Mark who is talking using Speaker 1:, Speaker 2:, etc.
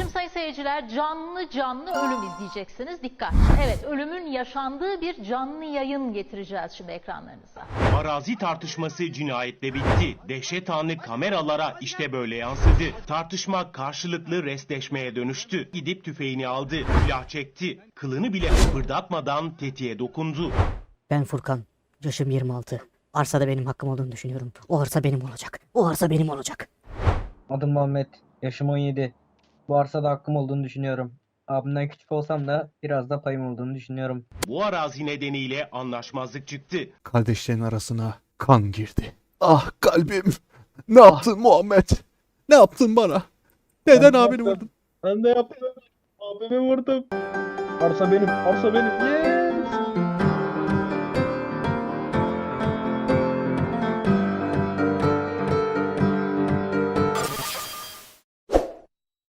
Speaker 1: Şimdi sayın seyirciler canlı canlı ölüm izleyeceksiniz. Dikkat. Evet, ölümün yaşandığı bir canlı yayın getireceğiz şimdi ekranlarınıza.
Speaker 2: Arazi tartışması cinayetle bitti. Dehşet anı kameralara işte böyle yansıdı. Tartışma karşılıklı restleşmeye dönüştü. Gidip tüfeğini aldı, silah çekti. Kılını bile kıpırdatmadan tetiğe dokundu.
Speaker 3: Ben Furkan. Yaşım 26. Arsada benim hakkım olduğunu düşünüyorum. O arsa benim olacak. O arsa benim olacak.
Speaker 4: Adım Muhammed. Yaşım 17. Bu arsada hakkım olduğunu düşünüyorum. Abimden küçük olsam da biraz da payım olduğunu düşünüyorum.
Speaker 2: Bu arazi nedeniyle anlaşmazlık çıktı.
Speaker 5: Kardeşlerin arasına kan girdi. Ah kalbim. Ne yaptın Muhammed? Ne yaptın bana? Neden
Speaker 4: Ben
Speaker 5: abini
Speaker 4: yaptım.
Speaker 5: vurdun?
Speaker 4: Ben de yaptım. Abimi vurdum. Arsa benim. Arsa benim.